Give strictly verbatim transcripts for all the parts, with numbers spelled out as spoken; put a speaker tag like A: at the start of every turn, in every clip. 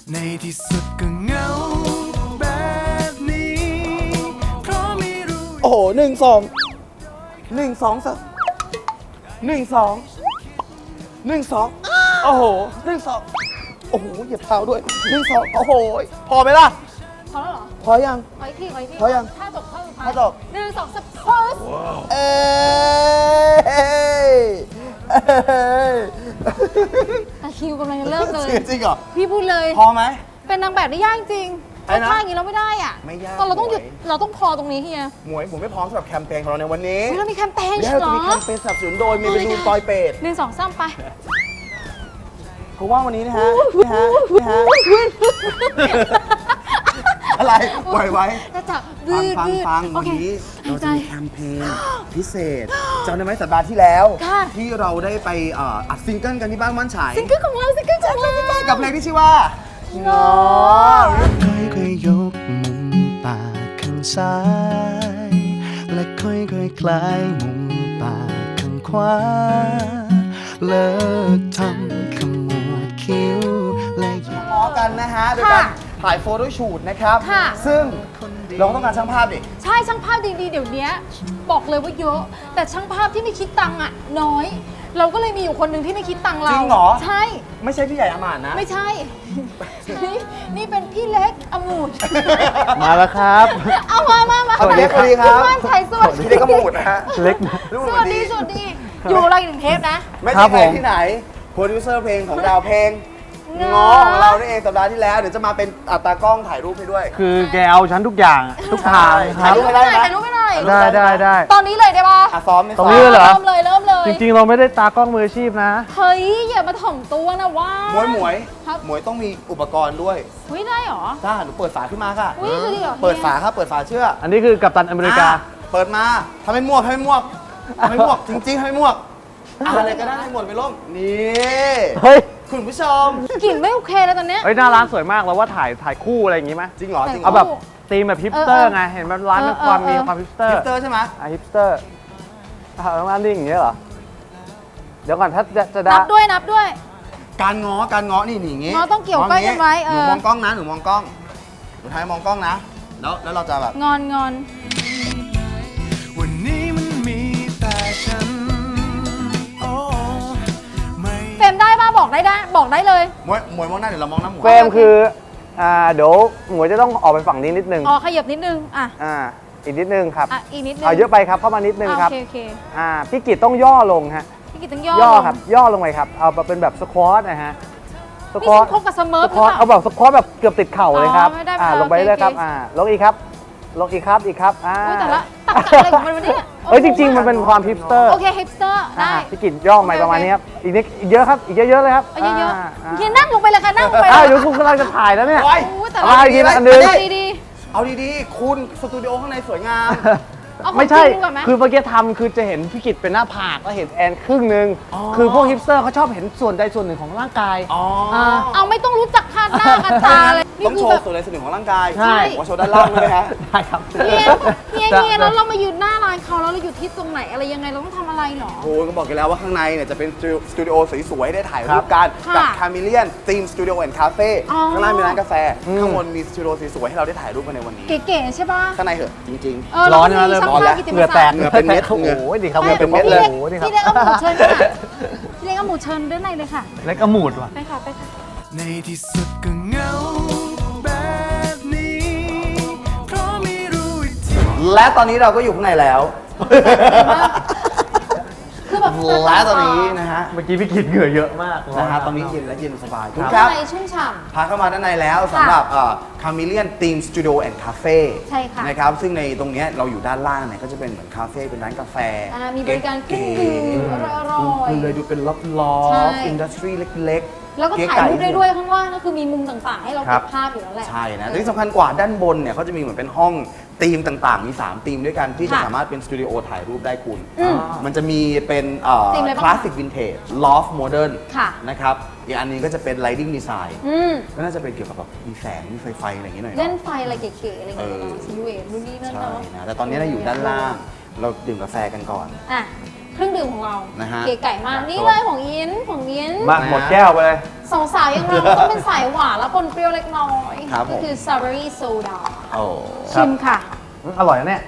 A: ในที่สุดก็เหงาแบบนี้เพราะไม่รู้
B: โอ้โหหนึ่งสองหนึ่งสองสามหนึ่งสองหนึ่งสองโอ้โหหนึ่งสองโอ้โหเหยียบเท้าด้วยหนึ่งสองโอ้โหพอไหมล่ะ
C: พอแล้วเหรอ
B: พอยัง
C: ขออีกทีขออีกที
B: พอยัง
C: ถ้าจบข้อสุดท้าย
B: ถ้าจบ
C: หนึ่งสองสามโพส
B: เอ้ยเอ้ย
C: ตะคริวกำลังจะเริ่มเลย
B: จริงเหรอ
C: พี่พูดเลย
B: พอไหม
C: เป็นนางแบบได้ยากจริง
B: ไอ้นะ
C: ถ้าอย่างนี้เราไม่ได้อ่ะ
B: ไม่ยาก
C: ตอนเราต้องหยุด
B: หมวย
C: เราต้องพอตรงนี้เฮีย
B: หมวยผมไม่พร้อมสำหรับแคมเปญของเราในวันนี้
C: เฮ้ยเรามีแคมเปญ
B: เดี๋ยว
C: ใช่
B: เรา
C: เหร
B: จะ
C: อ
B: มีแคมเปญสนับสนุนโดยมีเป็นรูนปอยเป็ด
C: หนึ่งสองสามไป
B: เพราะว่าวันนี้นะฮะนะฮะนะฮะอะไรปล่อยไว้
C: จะจับ
B: ฟัง
C: ดืด
B: ฟัง
C: ดืด
B: ฟัง
C: โอ
B: วัน
C: เค
B: นี้
C: หา
B: เรา
C: ยใจ
B: จะมีแคมเปญพิเศษจำได้ไหมสัปดาห์ที่แล้ว
C: ค่ะ
B: ที่เราได้ไปเอ่ออัดซิงเกิลกันที่บ้านม่านฉาย
C: ซิงเกิลของเราซิงเกิลของเรา
B: กับเพลงที่ชื่อว่า
C: งอ
A: ค่อยๆยกมุมปากข้างซ้าย และค่อยๆคลายมุมปากข้างขวาเลิกทำขมวดคิ้วและหยิบ
B: ง้อกันนะฮะโดยการถ่ายโฟโต้ชูตนะครับ
C: ค่ะ
B: ซึ่งเราก็ต้องการช่างภาพดิ
C: ใช่ช่างภาพดีๆ เดี๋ยวนี้บอกเลยว่าเยอะ แต่ช่างภาพที่ไม่คิดตังค์อ่ะน้อย เราก็เลยมีอยู่คนหนึ่งที่ไม่คิดตังค์เรา
B: จริงเหรอ
C: ใช่
B: ไม่ใช่พี่ใหญ่อมานนะ
C: ไม่ใช่ นี่นี่เป็นพี่เล็กอมูด
D: มาแล้วครับ
C: เอามามามา
B: สวัสดีครับ
C: ณม่านไทยสวัสดี
B: พี่เล็กก็มูดนะฮะ
D: เล็กนะ
B: ลูก
C: สวัสดีสวัสดี อยู่เราอีกหนึ่งเทปนะ
B: ไม่
D: ครั
B: ใช่
D: บ
B: ใคร
D: ผม
B: ที่ไหนโปรดิวเซอร์เพลงของดาวเพลง
C: ง้อ
B: ง้อของเรานี่เองสัปดาห์ที่แล้วเดี๋ยวจะมาเป็นอัตากล้องถ่ายรูปให้ด้วย
D: คือแกเอาฉันทุกอย่างอะทุกทางค
B: ถ่า
D: รั
B: ย
D: บ
B: รูปให้ได้ไหม
C: ถ่ายรูปไม่ได้
D: ได้ได้ได้
C: ตอนนี้เลยได้ปะ
B: อ่ะซ้อมไม่
D: ตร
B: ซ้อง ม
D: นี้เลยเหรอ
C: เริ่มเลยเริ่มเลย
D: จริงๆ เราไม่ได้ตากล้องมืออาชีพนะ
C: เฮ้ยอย่ามาถ่อมตัวนะว่า
B: หมวยหมวย
C: ครับ
B: หมวยต้องมีอุปกรณ์ด้วย
C: เฮ้ยได้เหรอ
B: จ้าหนูเปิดฝาขึ้นมาค่ะ
C: อุ้ยจะดีเหรอ
B: เปิดฝาครับเปิดฝาเชื่อ
D: อันนี้คือกัปตันอเมริกา
B: อ่ะเปิดมาทำให้ม่วกทำให้ม่วกทำให้ม่วกจริงๆทำให้ม่วกอะไรก็ได้ให้หมดไปล่มนี่
D: เฮ้ย
B: คุณผู้ชม
C: กลิ่นไม่โอเคแล้วตอนเนี้ย
D: เฮ้ยหน้าร้านสวยมากเราว่าถ่ายถ่ายคู่อะไรอย่างงี้ไหม
B: จริงเหรอจริงเหร
D: เอา
B: อ
D: แบบธีมแบบฮิปสเตอ
C: เอ
D: ร์
C: อเออ
D: ไง เห็นมันร้านมี
C: เออ
D: ความ
C: เออ
D: มีความฮิปสเตอ
B: ฮิ
D: ร์
B: ปสเตอร์ใช่ไหม
D: อ่ะฮิปสเตอร์อ่ะร้านนี้อย่างเงี้ยเหรอ เดี๋ยวก่อนถ้าจะจะได้
C: นับด้วยนับด้วย
B: การง้อการง้อนี่นี่อย่างงี้
C: ง้อต้องเกี่ยวก้อยกันไว้เออ
B: หนูมองกล้องนะหนูมองกล้องหนูท้ายมองกล้องนะแล้วแล้วเราจะแบบ
C: งอนงอน
A: วันนี้มันมีแต่ฉันโอ้ไม่
C: เฟรมได้ป่ะบอกได้ได้บอกได้เลย
B: มวยมวยมองหน้าเดี๋ยวเรามองหน้าหมวย
D: เฟรมคือ อ่า เดี๋ยวหมวยจะต้องออกไปฝั่งนี้นิดนึง
C: อ๋อขยับนิดนึงอ่ะ
D: อ่า อีกนิดนึงครับ
C: อ่ะอีกนิดนึง
D: เอาเยอะไปครับ เข้ามานิดนึง
C: อ่ะ
D: ครับ
C: โอเคโอเค
D: อ่า พี่กิตต้องย่อลงฮะ
C: พี่กิตต้องย่อ
D: ย่อ
C: ลง
D: ครับ ย่อลงไปครับ เอาเป็นแบบสควอตนะฮะ ส
C: นี่
D: ควอ
C: ฉั
D: ต
C: นคบกับเสมอ
D: ส
C: ห
D: ค
C: รือ
D: วอต
C: เปล่า
D: เอาแบบสควอตแบบเกือบติดเข่าเลยครับ
C: อ๋อไม่ได้
D: อ่า
C: ไม่ได้
D: ลงไปเลยครับ
C: โอเค
D: อ่า ลงอีกครับ ลงอีกครับ อีกครับ อ่า
C: อุ๊ยแต่ละตักกะอะไรของมันวะเนี่ย
D: เอ้ยจริง ๆ มันเป็นความฮิปสเตอร์
C: โอเคฮิปสเตอร์ได้
D: อ่าพี่กินย่อใหม่
C: โอเค
D: ประมาณนี้ครับ อีกนิดอีกเยอะครับ อีกเยอะๆเลยครับ
C: เอาเยอะ
D: า
C: ๆเฮียนั่งลงไปเลยค่ะนั่งลงไป
D: อ้าว
C: เลย
D: เดี๋ยวคุณกำลังจะถ่ายแล้วเนี่ย
B: โอ้ย
C: โอ้ยแต่
D: เอา
C: ละ
D: อีกทีละอันหนึง
C: เอาดี
B: เอาดีๆคุณสตูดิโอข้างในสวยงาม
C: ๆเอาของ
D: ไม่ใช่
C: จริงดีกว่าไหม
D: คือเมื่อกี้ทำคือจะเห็นพี่กิตเป็นหน้าผากแล้วเห็นแอนครึ่งหนึ่ง
B: อ๋อ
D: คือพวกฮิปสเตอร์เขาชอบเห็นส่วนใดส่วนหนึ่งของร่างกาย
B: อ๋อ
C: เอาไม่ต้องรู้จักคาดหน้ากันตาเลยนี่
B: ต้อง
C: คื
B: โช
C: อแบ
B: ว์
C: บ
B: ส่วนใดส่วนหนึ่งของร่างกาย
D: ใช่
B: หัวโชว์ด้านล่างเลยฮะ
D: ได้ครับ
C: เฮียเฮียเฮียแล้วเรามายืนหน้าร้านเขาแล้วเราอยู่ที่ตรงไหนอะไรยังไงเราต้องทำอะไรหรอ
B: โอ้ยก็บอกกันแล้วว่าข้างในเนี่ยจะเป็นสตูดิโอสวยๆได้ถ่าย
D: ครั
B: รู
D: บ
B: ปกัน
C: ค่ะ
B: กับคาเมเลียนทีมสตูดิโอแอนด์คาเฟ่
C: อ๋อ
B: ข้างล่างมีร้านกาแฟ
D: อืม
B: ข้างบนมีสตูดิโอสวยๆให้เราได้ถ่ายรูปกันในวันนี้
C: เก๋ๆใช่ป่ะ
B: ข้างในเหอะจริง
C: เออ
D: ร้อน
C: แล้
D: นะ
C: ว
D: เริ่ม
C: ช่าง
D: ร้อน
C: ภา
D: แล้ว
C: พกิตติ
D: เห
C: ม
D: งื่อแต
C: ศั
D: ก
C: กดิ์
B: เหงื่อเป็นเม็ด
D: โอ้โหดีครับ
B: เหงื่อเป็นเม็ด
C: พี่
B: เลย
C: เล็ก
D: โอ้โหดีค
C: พี่
D: รับ
C: เล็กเอาหมูเชิญค่ะพี่เล็กเอาหมูเชิญด้านในเลยค่ะ
D: เล็กอมูดว่ะ
C: ไปค่ะไปค่ะ
A: ในที่สุดก็เหงาแบบนี้เพราะไม่รู้อีกที
B: ๆ และตอนนี้เราก็อยู่ข้างในแล้ว
C: คือแบบ
B: และตอนนี้นะฮะ
D: เมื่อกี้พี่กิตเหงื่อเยอะมาก
B: นะฮะตอนนี้เย็นและเย็นสบายทุกค
C: ข้า
B: รั
C: ง
B: บ
C: ในชุ่มฉ่
B: พาเข้ามาด้านในแล้วสำหรับคาเมเลียนทีมสตูดิโอแอนด์คาเฟ่
C: ใช่ค่ะ
B: นะครับซึ่งในตรงเนี้ยเราอยู่ด้านล่างเนี่ยก็จะเป็นเหมือนคาเฟ่เป็นร้านกาแฟ
C: อ่ามีบริการเครื่องดื่มอร่อยๆ
B: ดูเลยดูเป็นล็อบล็อ
C: ใช่
B: บอินดัสทรีเล็ก
C: ำแล้วก็
B: เก๋
C: ถ่ายรูป
B: ไก่
C: ได้ด้วยข้างล่างก็คือมีมุมต่างๆ ให้เรา
D: ครั
C: เก็
D: บ
C: บภาพอยู่แล้วแหละ
B: ใช่นะแต่ที่สำคัญกว่าด้านบนเนี่ยเขาจะมีเหมือนเป็นห้องธีมต่างๆ มีสามธีมด้วยกันที่จะ
C: ค่ะ
B: สามารถเป็นสตูดิโอถ่ายรูปได้คุณ
C: อืม
B: มันจะมีเป็น
C: ธีมอะไรบ้าง
B: คลาสสิกวินเทจลอฟโมเดิร์น
C: ค่ะ
B: นะครับอีกอันนี้ก็จะเป็นไลติ้งดีไซน์
C: อืม
B: ก็น่าจะเป็นเกี่ยวกับแบบมีแสงมีไฟไฟอะไรอย่างนี้หน่อย
C: เล่น
B: เนาะ
C: ไฟอะไรเก๋ๆอะไรอย่างเงี้ย
B: เออ
C: ซีเวทนู่นนี่นั่น
B: ใช่
C: เนาะ
B: นะแต่ตอนนี้เราอยู่ด้านล่างเราดื่มกาแฟกันก่อน
C: อ่ะเครื่องดื่มของเรา
A: นะฮะ
C: เก๋ไก่มากนี่เลยของยินของยิน
D: มาหมดแก้วไปเลย
C: สองสาวอย่างเราต้องเป็นสายหวานแล้วปนเปรี้ยวเล็กน้อย
A: ครับผม
C: ก็คือ strawberry soda
A: โอ้
C: ชิมค่ะ
D: อืมอร่อยนะเนี่ย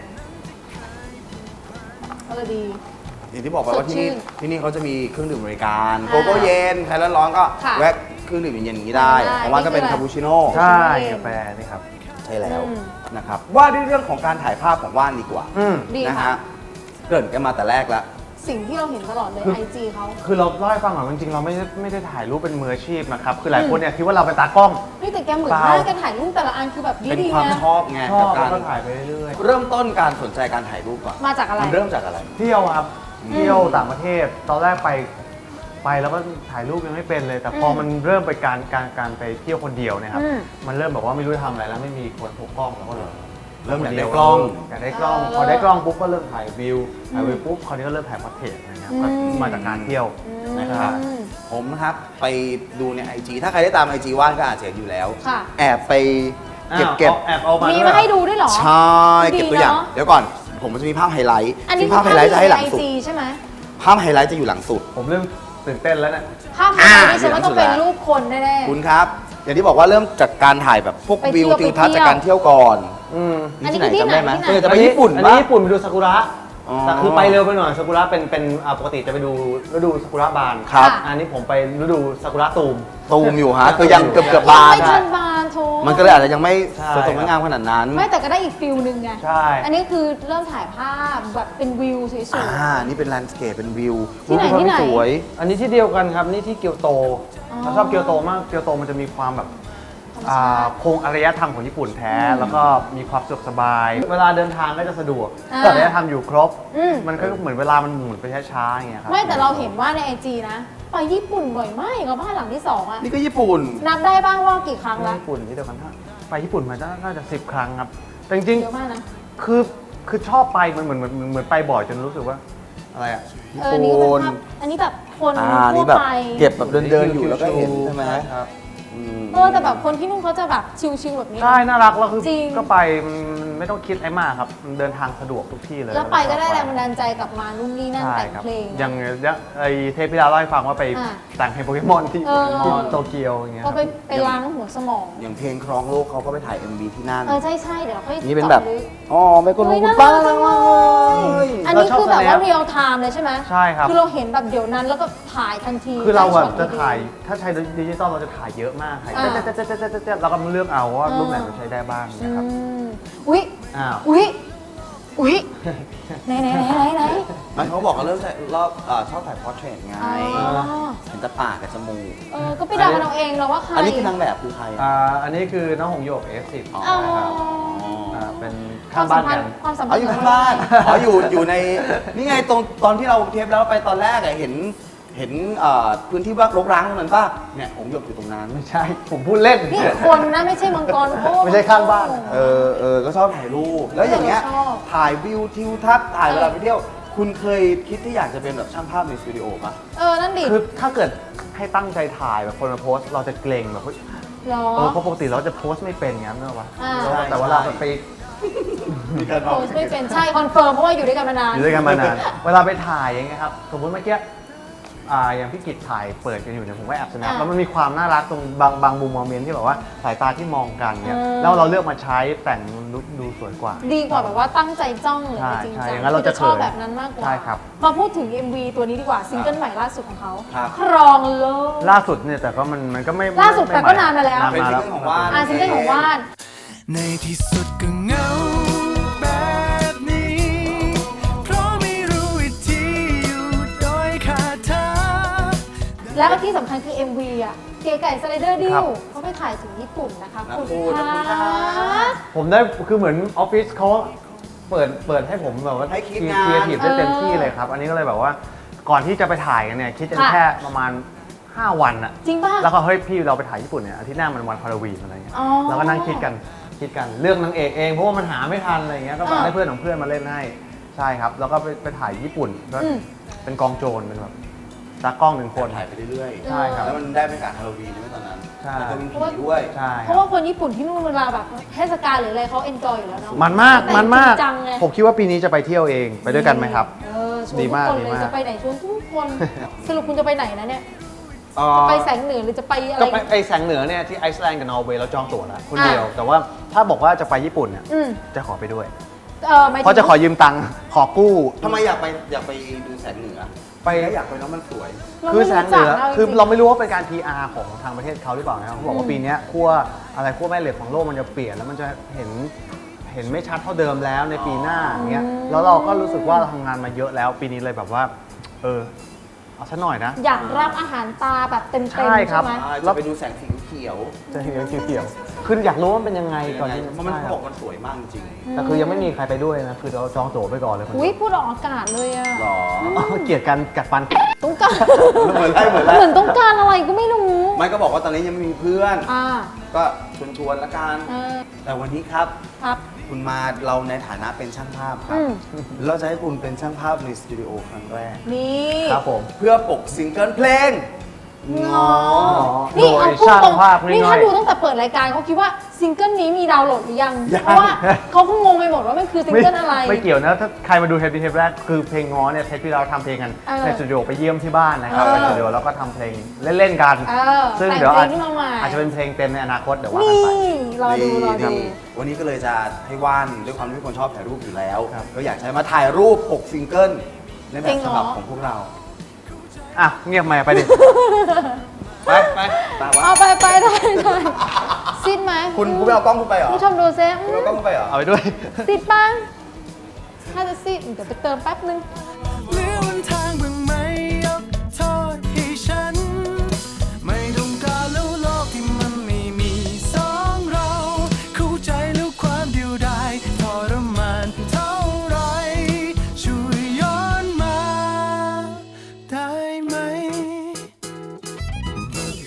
C: เออดี
A: อย่างที่บอกไปว่าที่นี่
C: สดชื่น
A: ที่นี่เขาจะมีเครื่องดื่มบริการ
C: อ่า
A: โกโก้เย็นใครร้อนๆก็
C: ค่ะ
A: แวะเครื่องดื่มเย็นๆอย่างนี้ได้
C: ได้
A: ของว่านก็เป็น
C: นี่คืออะไร
A: คาปูชิโน่
D: ใช่กาแฟนี่ครับ
A: ใช่แล้ว
C: อืม
A: นะครับว่าด้วยเรื่องของการถ่ายภาพของว่านดีกว่า
D: อืม
C: ดี
A: นะ
C: ค่ะ
A: ฮะเกริ่นกันมาแต่แรกแล้ว
C: สิ่งที่เราเห็นตลอดเลย
D: คือ
C: ไอจีเขา
D: คือเราเล่าให้ฟังหน่อยจริงๆเราไม่ได้ไม่ได้ถ่ายรูปเป็นมืออาชีพนะครับ คือหลายคนเนี่ยคิดว่าเราเป็นตากล้อง
C: เฮ้ยแต่แกเหมือน
D: เปล่า
C: มากแกถ่ายรูปแต่ละอันคือแบบ
A: เป็น
C: ดี
A: ความ
C: ๆนะ
A: ชอบไง
D: ชอ
A: กับบ กา
D: แล้ว
A: ร
D: ก็ถ่ายไปเรื่อย
A: เริ่มต้นการสนใจการถ่ายรูปก่อน
C: มาจากอะไร
A: มันเริ่มจากอะไร
D: ๆเที่ยวครับ เที่ยวต่างประเทศ ตอนแรกไปไปแล้วก็ถ่ายรูปยังไม่เป็นเลย แต่พอมันเริ่มไปการการการไปเที่ยวคนเดียวเนะครับ
C: อืม
D: มันเริ่มแบบว่าไม่รู้จะทำอะไรแล้วไม่มีคนพกกล้องแล้วก็เลย
A: เริ่มอยากได้กล้อง
D: อยากได้กล้อง
C: เออ
D: พอได้กล้องปุ๊บก็เริ่มถ่ายวิว ถ่ายวิวปุ๊บคราวนี้ก็เริ่มถ่ายพอร์เทรตนะครับ ก็
C: อืม
D: มาจากการเที่ยว
A: นะครับ
C: อืม
A: ผมนะครับไปดูในไอจีถ้าใครได้ตามไอจีว่านก็อาจจะเห็นอยู่แล้ว
C: ค่ะ
A: แอบไปเก็บเก็บ
D: อ้าวแอบเอามา
C: มี
D: ด้วย
C: มาให้ดูด้วยเหรอ
A: ใช่
C: ดี
A: เก็บตัวอย่าง
C: เนอะ
A: เดี๋ยวก่อน ผมมันจะมีภาพไฮไลท์
C: อันนี้
A: ซึ่งภาพไฮไลท์จะให้หลัง
C: ไอ
A: สุด
C: จีใช่ไหม
A: ภาพไฮไลท์จะอยู่หลังสุด
D: ผมเริ่มตื่นเต้นแล้วเนี่ย
C: ภาพไฮไลท์นี่ฉันว่าต้องเป็นรูปคนแน่
A: คุณครับ อย่างที่บอกว่าเริ่มจากการถ่ายแบบพวก
C: ไปเที่
A: วิ
C: ยว
A: วทิวทัศน์
C: ไปเที่ยว
A: จากการเที่ยวก่อน
D: อืม
C: อันนี้
A: ที่ไหน
C: คือที่
A: จำได้ไหม
C: ไหนที่ไหน
A: เออจะไปญี่ปุ่น
D: อัน
A: ปะ
D: นี้ญี่ปุ่นไปดูซากุระ
A: อ๋อ
D: แต่คือไปเร็วไปหน่อยซากุระเป็นเป็นอ่าปกติจะไปดูฤดูซากุระบาน
A: ครับ
D: อันนี้ผมไปฤดูซากุระตูม
A: ตูมอยู่ฮะคือยังเกือบเกือบ
C: ๆ
A: บาน
C: ไม่ทันบานโท
A: มันก็เลยอาจจะยังไม่
D: ใช่
A: สวยสดงดงามขนาดนั้น
C: ไม่แต่ก็ได้อีกฟิลหนึ่งไง
D: ใช่
C: อันนี้คือเริ่มถ่ายภาพแบบเป็นวิวสวย
A: อ่า นี่เป็นแลนด์สเคปเป็นวิว
C: ที่ไหน
A: รูป
C: ที่ไหน
A: สวย
D: อันนี้ที่เดียวกันครับนี่ที่เกียวโต
C: อ๋อ
D: เราชอบเกียวโตมากเกียวโตมันจะมีความแบบ
C: ธรรม
D: อ่
C: ชา
D: า
C: ติ
D: โครงอารยธรรมของญี่ปุ่นแท้
C: อืม
D: แล้วก็มีความสะดวกสบาย เวลาเดินทางก็จะสะดวก
C: อ่า
D: อารยธรรมอยู่ครบ
C: อืม
D: มันก็เหมือนเวลามันหมุนไปช้าๆอย่างเงี้ยครับ
C: ไม่แต่เราเห็นว่าในไอจีนะ ไปญี่ปุ่นบ่อยมากอย่างกับบ้านหลังที่สองอะ
A: นี่ก็ญี่ปุ่น
C: นับได้บ้างว่ากี่ครั้งละ
D: ญี่ปุ่นที่เดียวกันถ้าไปญี่ปุ่นมาน่าจะสิบครั้งครับแต่จริง
C: เยอะมากนะ
D: ๆคือคือชอบไปมันเหมือนเหมือนเหมือนไปบ่อยจนรู้สึกว่าอะไรอ่ะ
A: ญี่
C: เออ
A: ปุ่
C: นี่ก็เป็น
A: น
C: ภาพอันนี้แบบคน
A: อ่า
C: ทั่
A: นี่
C: ว
A: แบบ
C: ไป
A: เก็บแบบเดินเดินๆอยู่แล้วก็เห็นใช่ไหม
D: ครับ
A: อืม
C: เออแต่แบบคนที่นู่นเขาจะแบบชิลๆแบบนี้นะ
D: ใช่น่ารักแล้วคือ
C: จริง
D: ก็ไปมันไม่ต้องคิดอะไรมากครับมันเดินทางสะดวกทุกที่เลย
C: แล้วไปก็ได้แรงบันดาลใจกลับมานู่นนี่นั่น
D: ใช่
C: แต่ง
D: ครับ
C: เพลง
D: อย่างอย่างไอเทปที่แล้วเล่าให้ฟังว่าไป
C: อ่า
D: แต่งเพลงโปเกมอนที่
C: เออ
D: ที่โตเกียวอย่างเงี้ยค
C: ก็
D: รับ
C: ไปไปล้างหัวสมอง
A: อย่างเพลงครองโลกเขาก็ไปถ่าย เอ็ม วี ที่นั่น
C: เออใช่ใช่ๆเดี๋ยวเราค่อย
A: นี่เป็นแบบ
C: จาะลึก
A: อ๋อไม่ก็รู้
C: เฮ้ย
A: คุณ
C: น่า
A: ป้า
C: รักจังเลย อันนี้คือแบบว่าเรียลไทม์เลยใช่ไหม
D: ใช่ครับ
C: คือเราเห็นแบบเดี๋ยวนั้นแล้วก็ถ่ายทันที
D: คือเราแบบ
C: ได้ช็
D: จะ
C: อตดีๆ
D: ถ่ายถ้าใช้ดิจิตอลเราจะถ่ายเยอะมากถ่าย
C: อ่า
D: เจ๊ะเจ๊ะเจ๊ะเจ๊ะเจ๊ะเจ๊ะแล้วก็เลือกเอาว่ารูปไหนมันใช้ได้บ้าง
C: อื
D: นะครับ
C: มอุ๊ย
D: อ้าว
C: อุ๊ยอุ๊ยไหนไหนไหนไหนไหน
A: มันเขาบอกว่าเริ่มถ่ายรอบเอ่อชอบถ่ายพอร์เทรตไง
C: อ๋อ
A: เห็นแต่ปากกับจมูก
C: เออก็ไปเดากันเอาเองเราว่าใคร
A: อันนี้คือนางแบบคือใคร
D: อ่า
A: อ่ะ
D: อันนี้คือน้องหงโยก เอฟ สิบ
A: อ๋อ
C: อ๋อ
D: นะครับ
A: อ๋อ
D: อ่าเป็น
C: ค
D: ข้าว
C: าง มสั
D: บ้าม น
C: พัน
D: กัน
C: ธ์ความสัมพั
A: อ๋
C: น
A: อ
C: ธ์
A: อยู่ข้างบ้านอ๋ออยู่อยู่ในนี่ไงตรงตอนที่เราเทปแล้วไปตอนแรกอะเห็นเห็นเอ่อพื้นที่ว่ารกร้างตรงนั้นป่ะเนี่ยผมหยบอยู่ตรงนั้น
D: ไม่ใช่ ผมพูดเล่น
C: นี่คนนะไม่ใช่มังกรโอ้
D: ไม่ใช่ข้างบ้าน
A: เออเออก็ชอบถ่ายรูป แล้วอย่างเงี้ย
C: ชอบ
A: ถ่ายวิวทิวทัศน์ถ่ายเวลาไปเที่ยว คุณเคยคิดที่อยากจะเป็นแบบช่างภาพในสตูดิโอป่ะ
C: เออนั่นดิ
D: คือถ้าเกิดให้ตั้งใจถ่ายแบบคนมาโพสต์เราจะเกรงแบบเฮ้ย
C: เหรอ
D: เออเพราะปกติเราจะโพสต์ไม่เป็นงั้นเนอะวะ
C: อ่า
D: แต่ว่าเราไป
A: มีการ
C: โพสต์ไม่เป็นใช่คอนเฟิร์มเพราะว่าอยู่ด้วยกันมานาน
D: อยู่ด้วยกันมานาน เวลาไปถ่ายอย่างเงี้ยครับ สมมติเมื่อกี้อ่าอย่างพี่กิจถ่ายเปิดกันอยู่เนี่ยผมก็แอบสแนป
C: อ่า
D: แล้วมันมีความน่ารักตรงบางบางมุมโมเมนต์ที่แบบว่าสายตาที่มองกันเนี่ย
C: เออ
D: แล้วเราเลือกมาใช้แต่งดูดูสวยกว่า
C: ดีกว่าแบบว่าตั้งใจจ้องหรือ
D: ใช่
C: อะไรจริง
D: ใช่
C: จัง
D: อย่างนั้นเราจะ
C: ชอบ
D: เขิน
C: แบบนั้นมากกว่า
D: ใช่ครับ
C: มาพูดถึง เอ็ม วี ตัวนี้ดีกว่าซิงเกิลใหม่ล่าสุดของเขา
A: ครับ
C: ครองโลก
D: ล่าสุดเนี่ยแต่ก็มันมันก็ไม่
C: ล่าสุด
D: ไม่
C: แต่ก็นานมาแล้ว
A: เป็นซิงเกิลของว่าน
C: อ่าซิงเกิลของว่าน
E: ในที่สุดก็เหงาแบบนี้ เพราะไม่รู้วิธีอยู่โดยขาดเธอ
C: แล้วก็ที่สำคัญคือ เอ็ม วี อ่ะ เก๋ไก่สไลเดอร์ดิ
D: ครั
C: ว
D: บ
C: เขาไปถ่ายถึงญี่ปุ่นนะคะ
A: นะ
C: คุณ
A: พูดนะ
C: คะ
A: พูดนะ
D: ผมได้คือเหมือนออฟฟิศเขาเปิดเปิดให้ผมแบบว่า
A: ให้คิด
D: ค
A: งาน
D: รีเอทีฟได้เต็มที่เลยครับ อันนี้ก็เลยแบบว่าก่อนที่จะไปถ่ายกันเนี่ยคิดกันแค่ประมาณห้าวันอะ
C: จริงป่ะ
D: แล้วก็เฮ้ยพี่เราไปถ่ายญี่ปุ่นเนี่ยอาทิตย์หน้ามันวันฮาโลวีนอะไรเงี้ย
C: อ๋อ
D: แล้วก็นั่งคิดกันคิดกันเรื่องนางเอกเองเพราะว่ามันหาไม่ทันอะไรเงี้ยก็
C: อ่า
D: ให้เพื่อนของเพื่อนมาเล่นให้ใช่ครับ แล้วก็ไปไปถ่ายญี่ปุ่นก็
C: อืม
D: เป็นกองโจรเป็นแบบตากล้องหนึ่งคน
A: ถ่ายไปเรื่อยๆ
D: ใช่ครับ
A: แล้วมันได้บรรยากาศฮาโลวีนด้วยตอนนั้น
D: ใช่
A: แล้วก็มีผีด้วย
D: ใช่
C: เพ
D: ครั
C: ราะ
D: บ
C: ว่าคนญี่ปุ่นที่นู่นเวลาแบบเทศกาลหรืออะไรเขาเอนจอยอยู่แล้วเนาะ
D: มันมาก
C: แต่
D: มันมาก
C: จริงจังไง
D: ผมคิดว่าปีนี้จะไปเที่ยวเองไปด้วยกันไหมครับ
C: เออชวน
D: ดี
C: ทุก
D: มาก
C: คน
D: ดี
C: เลย
D: มาก
C: จะไปไหนชวนทุกคน สรุปคุณจะไปไหนนะเนี่ย
D: เอ่อ
C: จะไปแสงเหนือหรือจะไปอะไร
D: ก็ไปไอแสงเหนือเนี่ยที่ไอซ์แลนด์กับนอร์เวย์เราจองตั๋วแล้วคน
C: อ่ะ
D: เดียว แต่ว่าถ้าบอกว่าจะไปญี่ปุ่นเนี่ย
C: อืม
D: จะขอไปด้วย
C: เออหมายถึง
D: เพราะจะขอยืมตังค์ขอกู้
B: ทำไมอยากไปอยากไปดูแสงเหนือ
D: ไป
B: แล้วอยากไปแล้วมันสวย
C: เรา
D: คือ
C: ไม่
D: แสง
C: รู้
D: เห
C: จั
D: นื
C: ก
D: อ
C: เอาจ
D: คือ
C: ริงๆ
D: เราไม่รู้ว่าเป็นการ พี อาร์ ของทางประเทศเขาหรือเปล่านะครับเขาบอกว่าปีเนี้ยขั้วอะไรขั้วแม่เหล็กของโลกมันจะเปลี่ยนแล้วมันจะเห็นเห็นไม่ชัดเท่าเดิมแล้วในปีหน้าอย่างเงี้ยแล้วเราก็รู้สึกว่าเราทำงานมาเยอะแล้วปีนี้เลยแบบว่า เออเอาซะหน่อยนะ
C: อยากรับอาหารตาแบบเต็มๆ
D: ใช่ครับ
C: ไหม
B: อ่าจะไปดูแสงสีเขียว
D: จะเห็นเขียวๆคืออยากรู้ว่ามันเป็นยังไงก่อนที่
B: เพราะมันเขาบอกมันสวยมากจริง
D: แต่คือยังไม่มีใครไปด้วยนะคือเราจองตั๋วไปก่อนเลยคน
C: อุ้ย
D: เดียว
C: พูดออกอากาศเลยอะ
B: หรอ
D: อ๋อเกลียดกันกัดฟัน
C: ต้องการ
B: เหมือนไรเหมือนไร
C: เหมือนต้องการอะไรก็ไม่รู้
B: ไม่ก็บอกว่าตอนนี้ยังไม่มีเพื่อน
C: อ่า
B: ก็ชวนชวนๆละกัน
C: เออ
B: แต่วันนี้ครับ
C: ครับ
B: คุณมาเราในฐานะเป็นช่างภาพครั
C: อื
B: บ
C: ม
B: เราจะให้คุณเป็นช่างภาพในสตูดิโอครั้งแรก
C: นี่
D: ครับผม
B: เพื่อปกซิงเกิลเพลง
C: งอ
D: โด
C: นี่
D: ย
C: เอาพูด
D: ช่าง
C: ตรง
D: ภาพง่ายๆ
C: นี่ถ้าดูตั้งแต่เปิดรายการเขาคิดว่าซิงเกิลนี้มีดาวน์โหลดหรือยัง
B: ยัง
C: เพราะว่าเขาก็งงไปหมดว่ามันคือซิง
D: ไม่
C: เกิลอะไร
D: ไม่เกี่ยวนะถ้าใครมาดูเทปนี้เทปแรกคือเพลงง้อเนี่ยเทปที่เราทำเพลงกัน
C: เออ
D: ในสตูดิโอไปเยี่ยมที่บ้านนะครับ
C: เออ
D: ไปสตูดิโอแล้วก็ทำเพลงเล่นๆกัน
C: เออ
D: ซึ่ง
C: แต่ง
D: เดี๋ยว
C: เพล
D: อาจ
C: งขึ้นมาใหม่
D: อาจจะเป็นเพลงเต็มในอนาคตเดี๋ยวว่า
C: นี่
D: กันไป
C: รอดูรอดู
B: ดีวันนี้ก็เลยจะให้ว่านด้วยความที่เป็นคนชอบถ่ายรูปอยู่แล้ว
D: ครับ
B: ก็อยากจะให้มาถ่ายรูปปกซิงเกิลในแบ
C: จริ
B: บ
C: งเหรอ
B: ฉบับของพวกเรา
D: อ่ะเงียบไหมไปดิ
B: ไปไปตามวะ
C: เอาไปไปได้ได้ซิดไหม
B: คุณคุณไม่เอากล้องคุณไปเหรอ
C: ผู้ชมดูซิ
B: คุณเอากล้องคุณไปเหรอ
D: เอาไปด้วย
C: ซิดบ้างถ้าจะซิดเดี๋ยวไปเติมแป๊บนึง
E: เหลือวันท้าย